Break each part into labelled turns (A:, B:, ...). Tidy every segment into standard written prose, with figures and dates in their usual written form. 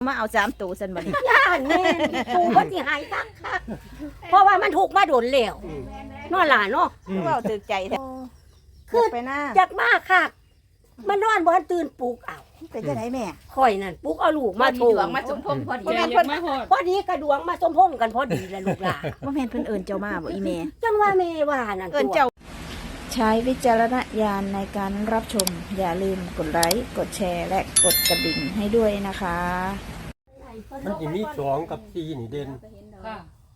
A: มาเอา3ตัวซั่นบัดนี้
B: ย่านแม่ปูบ่สิหายคักเพราะว่ามันถูกมาโดนแล้วเนาะหล่ะเนาะ
A: เว้าตึกใจแท้
B: คือ
A: ไปหน้า
B: จักมากคักมันนอนบ่ทันตื่นปลุกเอา
A: เป็นจังได๋แม่
B: ข่อยนั่นปลุกเอาลูกมาโท
C: ดวงมาสมพงษ์พอดี
A: บ่แม่นเพิ่น
B: พอดีกระดวงมาสมพงษ์กันพอดีแหละลูกหลาน
A: บ่แม่นเพิ่นเอิ้นเจ้ามาบ่อีแม่
B: จังว่าแม่ว่านั่น
A: เอิ้นเจ้าใช้วิจารณญาณในการรับชมอย่าลืมกดไลค์กดแชร์และกดกระดิ่งให้ด้วยนะคะ
D: มันจะมี2กับ4นี่เด่น
C: ค่ะ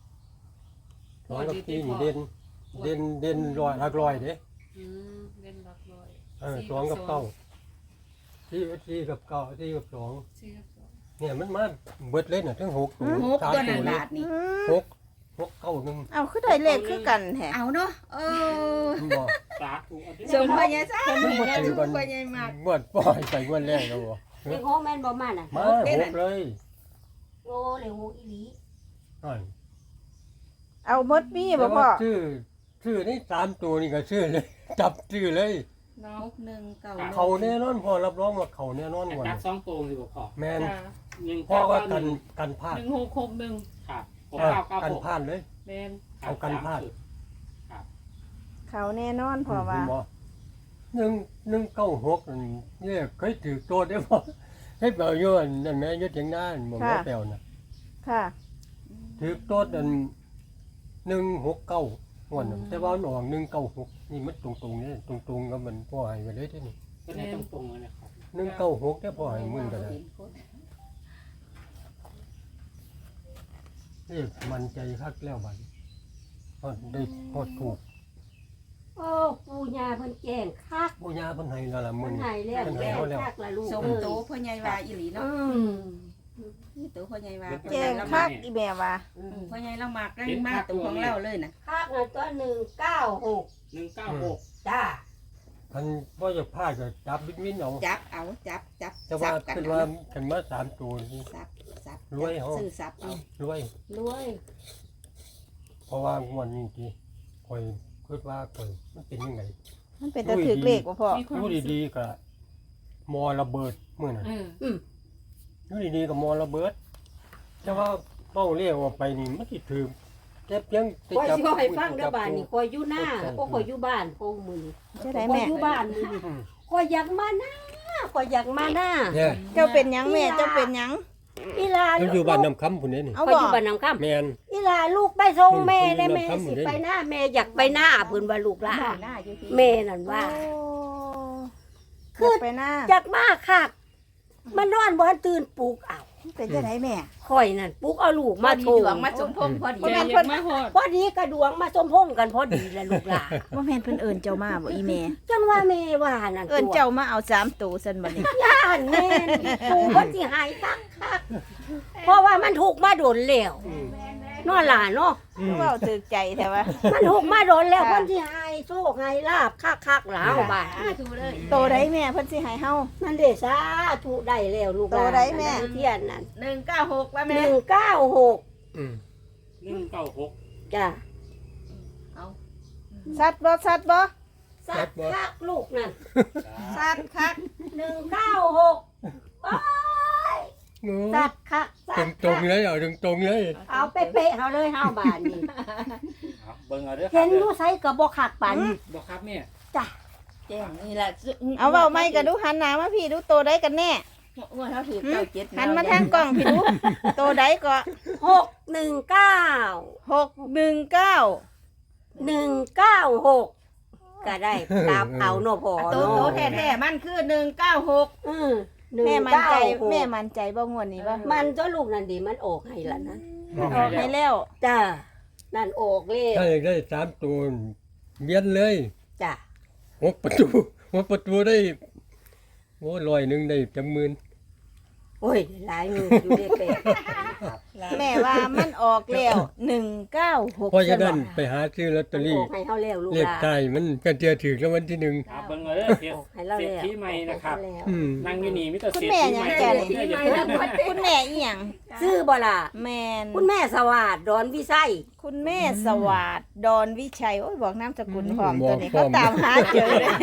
D: 2กับ4นี่เด่นร้อยหลักร้อยเด้
C: เล่นรักร้อย
D: 2กับ9 4กับ9 4กับ2
C: สี่กับสอง
D: เนี่ยมันมาเบิดเลยน่ะทั้ง6ตัว
C: หกตัวนั่นบาทนี่
D: 6 9 1
A: เอาคือได้เลขคือกันแท้
C: เอาเนาะ
D: มันบ่
C: สมพญาซ่า
D: มันบ่ถือกัน
C: พญามาก
D: งวดปล่อยไปงวดแรกแล้วบ่
B: เด็กโฮแม่นบ่มาน่ะ
D: มา6เลย
B: โอ้เลยโฮอีหลี
D: นั่น
A: เอาหมดมีบ่พ่อ
D: ชื่อนี่3ตัวนี่ก็ชื่อเลย จับชื่อเลย
C: เนาะ1 9
D: เขาแน่นอนพอรับรองว่าเขาแน่นอนกว่า
E: จับ2ตัวสิบ่พอ
D: แม่น
E: 1
D: พ่อก็
E: 9
D: กันพลาด
C: 1661
E: ครับ
D: กัน
E: 6996
D: พลาดเลย
C: แม่น
D: เอากันพลาด
A: เขาแน่นอนพ่อว่า
D: 196เนี่ยเคยถือตัวได้บ่ให้เปล่าอยู่นั่นแม่ยศอย่างนั้นบ่แม่แปลวน่ะ
A: ค่ะ
D: ถือตัวนั่น169ม่วนน่ะแต่ว่ามันออก196นี่มันตรงๆนี่ตรงๆกับมันพ่อให้ไว้เลยที่นี่
E: ก็ได้ตรงๆเลยนะครับ
D: 196แต่พ่อให้มึงก็ได้นี่มันใจคักแล้วบัดฮอดได้ฮอดถูก
B: โอ้ปู่ย่าเพิ่นแจ้งคัก
D: บ่ยาเพิ่นให้แล้วล่ะมื้
B: เพิ่
D: อน นี้
B: ให้แล้ว
D: เพิ่นให้
B: แจ้ง
D: เฮาแล้ว
B: คักละลูก
C: สมโตพ่อใหญ่ว่าอีหลีเนาะ นี่ตัวพ่อใหญ่ว่า
A: แจ้งคักอีแม่ว่า
C: พ่อใหญ่เรามากได้มากตัวของเราเลยนะ
B: คักน่ะตัว196
E: 196
B: จ้า
D: คันบ่อยากพลาดก็จับวินเอา
C: จับเอาจับ
D: แต่ว่า
C: กัน
D: คือว่าคันมา3ตัวนี่
C: ซับ
D: รวยเหรอ
C: ซื้อซับเอา
D: รวย
B: รวย
D: เพราะว่างวดนี้ที่ข่อยคิดว่าข่อยมันเป็นยังไง
A: มันเป็นตะถึกเลขบ่พ่อ
D: อยู่ดีๆก็มอระเบิดมื้อนั้น อยู่ดีๆก็มอระเบิด แต่ว่าเป้าเรียกว่าไปนี่มันสิถือแต่เพียงแต่
B: ข่อย
D: จับ
B: สิบ่ให้ฟังเด้อบ้านนี่ข่อยอยู่หน้าโอ้ข่อยอยู่บ้านโอ้มื้อนี้
A: จะได้
B: ข่อย
A: แม่
B: อยู่บ้านมื้อนี้
D: อืม
B: ข่อยอยากมาหน้าข่อยอยากมาหน้า
D: เนี่ย
A: เจ้าเป็นหยังแม่เจ้าเป็นหยัง
B: อีหลา
D: มันอยู่บ้านน้ำคำพุ่นนี่นี่
A: เอา
B: ข่อย
A: บ่
B: อยู่บ้านน้ำค่ำ
D: แม่น
B: อีหลาลูกไปส่งแม่
D: อืม
B: ได้แม่
D: อืม
B: สิ
D: อืม
B: ไปหน้าแม่อยากไปหน้าเพิ่นว่าลูกหลา
C: หน้าอยู่ที่
B: แม่นั่นว่า
A: คือไปหน้า
B: อยากมาคักมันนอนบ่ทันตื่นปลุกเอา
A: เป็นจังไดแม่
B: ข่อยนั่นปลุกเอาลูกมา
C: มา
B: โท
C: ถู
B: ร
C: ดวงมาสมพงษ์พอดี
A: บ่แม่นเพิ่น
B: พอดีกระดวงมาสมพงษ์กันพอดีแหละลูกหลาน
A: บ่แม่นเพิ่นเอิ้นเจ้ามาบ่อีแม่
B: จังว่าแม่ว่านั่น
A: เอิ้นเจ้ามาเอา3ตัวซั่นบัดนี้
B: ย่านแม่นปูบ่สิหายคักเพราะว่ามันถูกมาโดนแล้ว
D: อืม
B: เนาะหล่ะเนาะ
A: เว้าตึกใจแท้ว่า
B: มันถูกมาโดนแล้วเพิ่นสิหายโชคให้ลาบคักๆหลาวบาด
C: ถูเลย
A: โตได้แม่เพิ่นสิให้เฮา
B: นั่นเด้สาธุได้แล้วลูกหลาน
A: โตได้แม่
B: เทียนนั่น
C: 196ว่าแม่
B: 196
D: อืม
E: 196
B: จ้ะ
C: เอา
A: สัตว์บ่สัตว์บ่
B: สักคักลูกนั่น
A: สัตว์คัก
B: 196โอ้ย
D: โอ้
B: สักคักสัก
D: ตรงๆเลยเอาตรงๆเลย
B: เอาเป๊ะๆเฮาเลยเฮาบาดนี้
E: เบิ่งเอาเด้อ
B: เห็นอยู่ไสก็บ่คักปานนี้
E: บ่ครับแม่
B: จ้ะ
C: แจ้งนี่แหละ
A: เอาเว้าไม่กันดูหันหน้ามาพี่ดูโตได้กันแน่
C: ว่าเขาถือ97
A: หันมาทางกล้องพี่ดูโตได้ก็
B: 619
A: 619
B: 196ก็ได้ตามเอาเนาะพ่อ
C: โต
B: เนาะ
C: แท้ๆมันคือ196
A: แม่มั่นใจ
B: 196
A: แม่มั่นใจบ่งวดนี้บ่
B: มันเจ้าลูกนั่นดีมันออกให้ละนะ
A: ออกให้แล้ว
B: จ้านั่นออกเลย
D: ถ้าอยากได้3ตัวเบียนเลย
B: จ้ะ
D: 6 ประตูได้โอ้100ได้จังหมื่น
B: โอ้ยหลายมืออยู่ได้เป็ด
A: แม่ว่ามันออกแล้ว196
D: เพราะฉะนั้นไปหาซื้อลอตเตอ
B: อ
D: รี่
B: อกให้เฮาแล้วลูก
D: เลข
B: หลาน
D: ใต้มันก็เจอถือรางวัลที่1
E: เบิ่งเอาเด้อเสีย
B: ออกให้เราแล้ว
E: ที่ใหม่นะครับ
B: ออกให้แล้ว
D: อืม
E: นั่งอยู่นี่มีแต่
A: คุณ
E: เสีย
A: แม่
E: ที่
A: หยัง
E: ใหม่
A: จ้ะ
E: เสีย
A: นี่
E: ที่ใหม่
A: คุณแม่อีหยัง
B: ซื้อบ่ล่ะ
A: แมน
B: คุณแม่สวัสดิ์ดอนวิไส
A: คุณแม่สวัสดดอนวิชัยโอ้ยบอกนามสกุลพร้อม
D: บอก
A: ตัวนี้
D: พร้
A: เขา
D: อม
A: ตามหาเจอเลย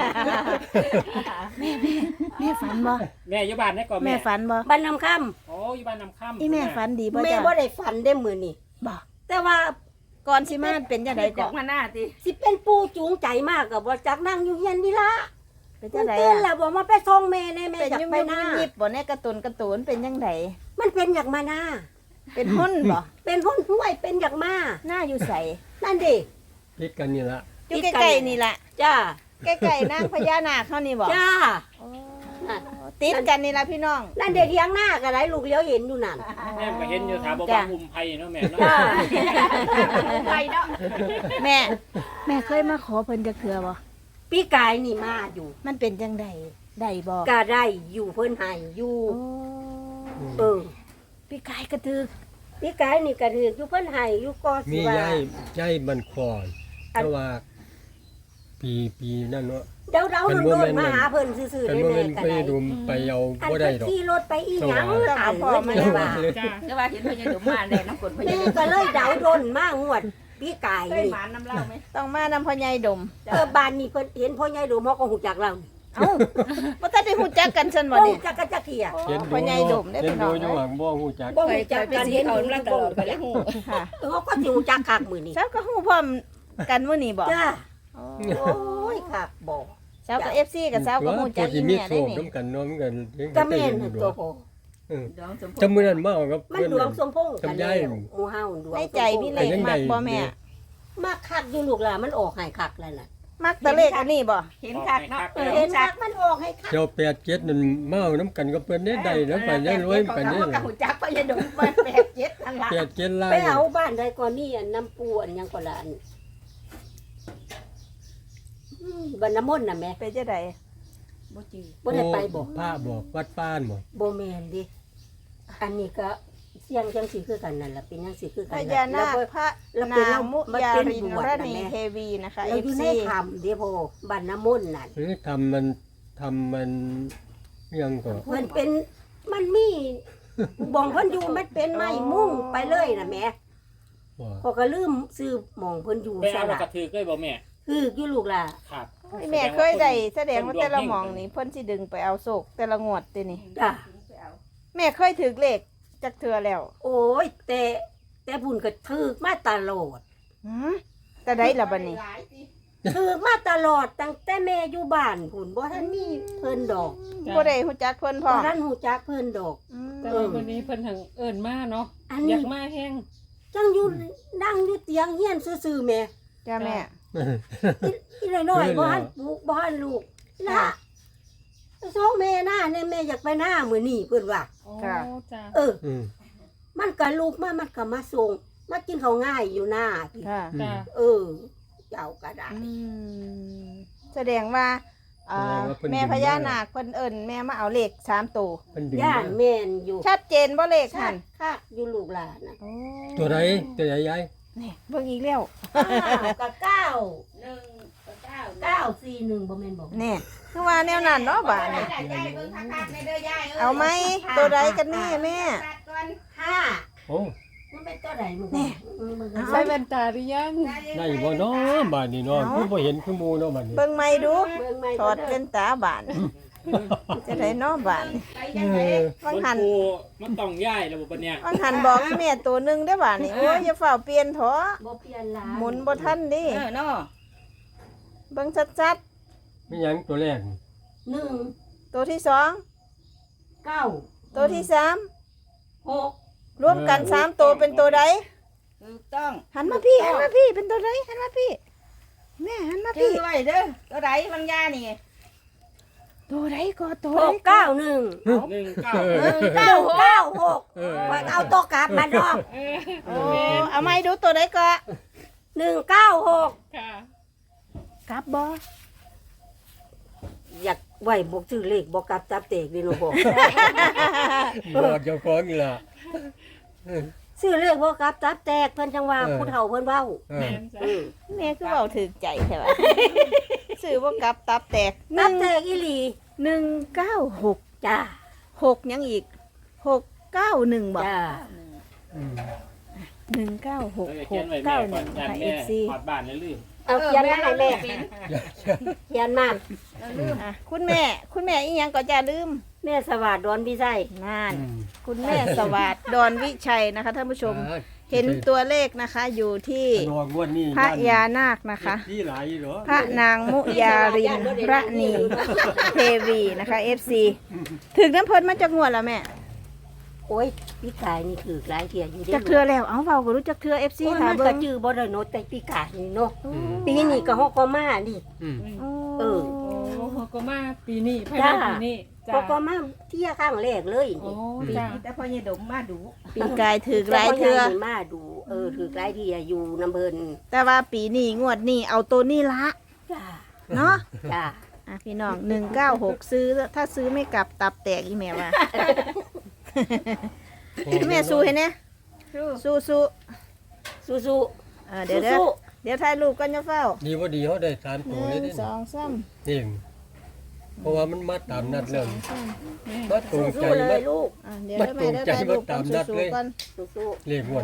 A: แม่ฝันบ่
E: แม่อยู่บ้านได้ก่อน
A: แม่
E: แม่
A: ฝันบ่
B: บ้านนำค
E: โอ้อยู่บ้านนำค่ำ
A: อีแม่ฝันดีบ่
B: ำแม่
A: จ้ะ
B: บ่ได้ฝันได้มื้อนี้
A: บ่
B: แต่ว่า
A: ก่อนสิมาเป็นจังได๋
C: จา
A: ก่อก
C: มาหน้าติ
B: สิเป็นปู่จูงใจมากก็บ่จักนั่งอยู่เฮียนนี่ล่ะ
A: เป็น
B: มั
A: จั
B: น
A: งได
B: เต้น
A: อ่ะ
B: แล้วบอกมาไปส่งแม่แน่แม่
A: เป็น
B: อยาก
A: ยุ่ม
B: ไป
A: ยุ่ม
B: หน้า
A: ยิบบ่เนี่ยการ์ตูนเป็นจังได
B: มันเป็นอยากมาหน้า
A: เป็นหุ้นบ่
B: เป็นคนห้วยเป็นอยากมา
A: หน้าอยู่ใส
B: นั่นดิ
D: พิดกันนี่ละ
A: อยู่ใกล้ๆนี่ล่ะ
B: จ้า
A: ใกล้ๆนางพญานาคเฮานี่บ่
B: จ้า
A: โอ้ติดกันนี่ล่ะพี่น้อง
B: นั่นเด็กเลี้ยงหน้าก็ได้ลูกเลี้ยวเห็นอยู่นั่น
E: แม่ก็เห็นอยู่ถามบอก
A: จ้ะ
E: ว่าอุ้มไผ่เนาะแม่เนาะ
B: จ้า
C: ไปเนาะ
A: แม่ แม่เคยมาขอเพิ่นจักเทื่อบ่
B: พี่กายนี่มาอยู่
A: มันเป็นจังไดได้บ่
B: ก็ได้อยู่เพิ่นให้อยู่
A: โอ้
B: เออ
A: พี่กายกระตึก
B: พี่กายนี่ก็ถืออยู่เพิ่นให้อยู่ก็
D: มี
B: สิว่า
D: ย้ายมันคอนแต่ว่าปีนั่นเนาะ
B: เดาๆ
D: เป็น
B: โด
D: บ่แม่
B: น
D: น
B: ๆมาหาเพิ่นซื่อๆ
D: กัน
B: แน่
D: ว่ามัน
B: ๆก็
D: ไป
B: ได้
D: ดุมไปเอา
B: อัน
D: บ่
B: ไป
D: ได้ดอก
B: ขี่รถไปอีหยัง
A: ต้องเอาพ่อมา
B: เล
A: ได้
B: ย
A: ว่า
B: ว่า
E: จ้า
C: แต่ว่าเห็นพญาดุมาแน่น้ำกดพญา
B: แม่
C: ดุ
B: ก็เลยเดาโดนมางวดพี่กาย
C: เคย
B: นี่
C: หมานน้ำเล่าไหม
A: ต้องมานำพ่อใหญ่ดม
B: บ้านนี่เพิ่นเห็นพ่อใหญ่ดูหมอก็ฮู้จักเรา
A: เอ้าบ่ทันได้ฮู้จักกันซั่นบ่
B: บ่
A: นี่
B: ฮู้จักกันจักเที่ย
D: เห็น
A: พ่อใหญ่ดมได้
D: เห็น
A: พี่น้
D: ดู
A: อง
D: อยู่หวังบ่ฮู้จัก
B: บ่
C: เคย
B: ฮู้จัก
C: ไป
B: กัน
C: สี
B: เห็น
C: เขามาตลอดไปแล้ว
A: ค่ะ
B: เขาก็สิฮู้จักคักมื้อนี้
A: เช้าก็ฮู้พร้อมกันมื้อนี้บ่
B: จ้า
A: โอ้
B: โอ้ยคักบ่
A: เช้าก็ FC กับเช้าก็ฮู้จักอี
D: มี
A: แม่
D: โช
A: ได้
D: ค
A: นี่
D: นำกันเนาะมันก็ยัง
B: ก็แม่น
D: อยู่
B: ตัวโห
C: ดวงสมพ
D: จำมื้อนั้นมาเอากับ
B: มันดวงสมพงษ์กัน
D: จำได้
B: แล้วหมู่เฮาดวง
A: ในใจพี่เล็กมากบ่แม่
B: มาคักอยู่ลูกหล่ะมันออกให้คักแล้วน่ะ
A: มักแตะเลขอันนี้บ่
C: เห็นคักเนาะ
B: เห็นคักมันออกให้คัก
D: เจ้า87นั่นมาเอานํกันกับเพิ่นได้แล้วไปได้รวยไปได้
C: กับหุ่นจักพญาดุมา87นั่นล่ะ
D: 87ล้าน
B: ไปเอาบ้านใดก่อนนี่อันน้ำปูอันหยังก่อนละอันบ้านน้ำมนต์น่ะแม่
A: เป็นจังได๋
C: บ่จือ
B: บ่ได้ไปบ่
D: พระบ่วัดป้านบ่
B: บ่แม่นดิอันนี้ก็เสียงจังสิคือกันนั่นล่ะเป็นจังสิคือ
A: พ
B: กัน
A: ญานาค
B: แล้ว
A: พระ
B: แล้วเป็น
A: นางมุ
B: มัน
A: ยา
B: เป็น
A: ริน
B: บวช
A: ร
B: นะ
A: ณี
B: แม่
A: เทวีนะคะ
B: เราอยู่
A: FC
B: ในธรรมเด้อพ่อบ้านน้ำมนต์นั่น
D: หรือทำมันยังก็
B: เพิ่นเป็นมันมีบ่องเพิ่นอยู่มันเป็นไม้มุ่งไปเลยน่ะแม่
D: บ่
B: พอก็ลืมซื้อหม่องเพิ่นอยู่
E: ไป
B: ซะ
E: เอาแล้ว
B: ละ
E: ก็ถือเลยบ่แม่
B: คืออยู่ลูกล่ะ
E: ครับ
A: แม่เคยได้แสดงว่าแต่ละหมองนี่เพิ่นสิดึงไปเอาโศกแต่ละงวดตินี่
B: จ้ะ
A: แม่เคยถือเลขจักเทื่อแล้ว
B: โอ้ยแต่บุญก็ถูกมาตลอด
A: หืมแต่ได้ละบัดนี้
B: ถูกมาตลอดตั้งแต่แม่อยู่บ้านพุ่นบ่ทันมีเพิ่นดอก
A: บ่ได้ฮู้จักเพิ่นพร้
B: บ่
A: อม
B: ทันฮู้จักเพิ่นดอก
A: อืม
F: แต่ว่าวันนี้เพิ่นทางเอิ้นมาเนาะ
B: อัน
F: อ
B: นี้
F: ยากมาแห้ง
B: จังอยู่นั่งอยู่เตียงเฮียนซื่อๆแม่
A: จ้าแม่
B: อีน้อยๆบ่ทันปลูกบ่ทันลูกล่ะส่งแม่หน้าเนี่ยแม่อยากไปหน้ามื้อนี้เพิ่นว่า
F: โอ้จ้า
B: เออ
D: อืม
B: มันก็ลูกมามันก็มาส่งมากินข้าวง่ายอยู่หน้าพี่
A: ค่ะ
F: จ้า
B: เออ เจ้าก็ได้
A: อืมแสดงว่าแม่พญานาคเพิ่นเอิ้นแม่มาเอาเลข3ตัว
D: มันดึง
B: ย่านแม่นอยู่
A: ชัดเจนบ่เลข
B: ชั
A: หั่
B: ด
A: น
B: คักอยู่ลูกหลานน่ะ
A: โอ้
D: ตัวใดตัวใหญ่ใหญ่
A: นี่เบิ่งอีกแล้ว
B: กับเก้า
C: 1
B: 941บ่แม่นบ่
A: นี่คือว่าแนวนั้นเนาะบาด
C: 9
A: นี้
C: ยายเบิ่งคักๆในเด้อยาย
A: เอาไหมตัวใดกันแน่แม่
C: ตัดก่อน
B: 5
D: โอ้
B: มันเป็นตัวใดมึง
A: แน่
F: ใส่แว่นตาหรือยัง
D: ได้บ่เนาะบาดนี้เนาะคือบ่เห็นคือหมู่เนาะบาดนี้
A: เบิ่งใหม่ดู
B: เบิ่งใหม่
A: ถอดเป็นตาบานจะได้เนาะบาน
C: ไปยังไง
A: วัง
E: มัน
A: หัน
E: ปูมันต้องย้ายแล้วบ่บัดเนี้ย
A: วังหันบอกแม่ตัวหนึงได้อบานนี่โอ้ยอย่าเฝ้าเปลี่ยนเถอะ
B: บ่เปลี่ยนหลาน
A: หมุนบ่ทันดิ
C: เนาะ
A: เบิ่งชัด
D: มีหยังตัวแรกนี่
B: 1
A: ๆตัวที่สอง
B: 9
A: ตัวที่สาม
B: 6
A: รวมกัน3ตัวเป็นตัวใด
C: ถูกต้อง
A: หันมาพี่หันมาพี่เป็นตัวใดหันมาพี่แม่หันมา
C: ชื่
A: พี่
C: อไว้เด้อตัวใดบางยานี่
A: ตัวใดก็ตัวใด
B: 6 9 1
E: 19
B: 996
D: เออ
B: ว่าเอาตัวกลับมาดอก
A: โอ้เอาไม้ดูตัวใดก็
B: 196
F: ค่ะ
A: กลับบ่
B: อยากไหวบอกชื่อเลขบอกกลับจับเตกดีโนบอก
D: บอกเจ้าของนี่ล่ะ
B: ชื่อเลขบอกกลับจับแตกเพิ่นจังว่าผู้เฒ่าเพิ่นเว้า
D: เออ
F: แม่นจ้า
A: แม่คือเว้าถึกใจใช่ป่ะ ซื้อบ่กลับตับแตก
B: จับแตกอีหลี
A: 196
B: จ้า
A: 6ยังอีก6 91บอก
B: จ้า
D: อืม
E: เขียนไว้แม่ก่อน
A: 196691
E: ยั
A: นะ
E: น
A: คะ
E: แม่
A: FC
E: ถอดบ้านแล้วลืม
B: เอาเขียนมาให้แม่เขียนมา
A: อ่ะคุณแม่อีหยังก็จะลืม
B: แม่สวัสดิ์ดอนพี่ไส้
A: นั่น
D: อืม
A: คุณแม่สวัสดิ์ดอนวิชัยนะคะท่านผู้ชม เห็นตัวเลขนะคะอยู่ที่
D: รองวดนี้
A: พระยานาคนะคะ
D: ที่หลายอยู่เหรอ
A: พระนางมุยารินพระนีเทวีนะคะ FC ถึงน้ำเพิ่นมาจากงวดแล้วแม่
B: โอ้ยพี่กายนี่คือหลายเทียอยู่
A: จากเทือแล้วเอาเบาก็รู้จักเทือ FC
B: โอ้ย
A: ค่ะ
B: มัน
A: เบิ่
B: ก็
A: ง
B: จื้อบ่ได้เนาะแต่พี่กายนี่เนาะ
D: อืม
B: ปีนี้ก็ฮอกก็มานี่
D: อืม
B: เออ
F: โอ้เขาก็มาปีนี้ภาย
B: จ้า
F: ในปีนี้จ้า
B: ก็ก็มาเที่ยข้างแรกเลย
F: โอ้
B: นี่
F: จ้า
C: แต่พอเนี่ยดมมาดู
A: ปีกายถือหลายเทือ
B: แต่ว่ยายนี่มาดูถือหลายเทียอยู่น้ำเพิ่น
A: แต่ว่าปีนี้งวดนี้เอาตัวนี้ละ
B: จ้า
A: เนาะ
B: จ้า
A: อ่ะพี่น้อง196ซื้อถ้าซื้อไม่กลับตับแตกอีแม่ว่า แม่สู้ให้เนี่ยสู้
B: สู้
A: เดี๋ยว
B: สู้
A: เดี๋ยวถ่ายรูปกันจะเฝ้า
D: ดีว่าดีเขาได้สาม
A: ห
D: ตัวเลย
A: นึ่ง
D: นี่
A: สองสาม
D: นี่เพราะว่ามันมาตามนัดเลยมาตรงใจ
B: สู้ๆเล
D: มาย
B: ลูก
A: เดี๋ยวแม่ได้ถ่ายรูปกันสู้ๆกัน
B: สู้
D: เรียกวน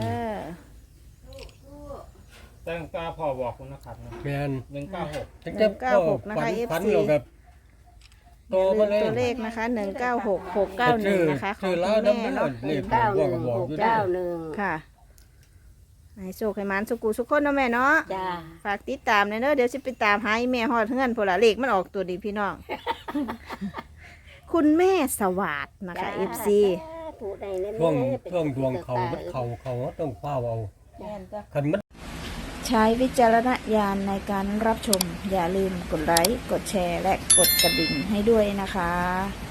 E: ตั้งตาพ่อบอกคุณนะครับนะ
D: แมน
E: 196
D: ตั้งแต่พ่อฝันเราแบบโตมาเลย
A: ตัวเลขนะคะ196691นะคะของ
D: ชื่อ
A: คุ
D: ลาว
A: ณ
D: น้ำ
A: แม่
D: เนื้อ
A: เนาะ
D: เรียก
B: ๆ
D: บอกอยู่ด้วย
B: 91
A: ค่ะให้โชคให้หมันสุกูสุกคนเนาะแม่เนาะ
B: จ้า
A: ฝากติดตามเด้อเดี๋ยวสิไปตามหาอีแม่ฮอดเฮือนพนละเลขมันออกตัวดีพี่น้อง คุณแม่สวัสดนะคะ FC
B: ถูกได้แน่ๆ
D: ช่วงดวงเขามันเขาต้องเฝ้าเอา
C: แม่นจ้ะ
D: คันมัน
A: ใช้วิจารณญาณในการรับชม อย่าลืมกดไลค์ กดแชร์ และกดกระดิ่งให้ด้วยนะคะ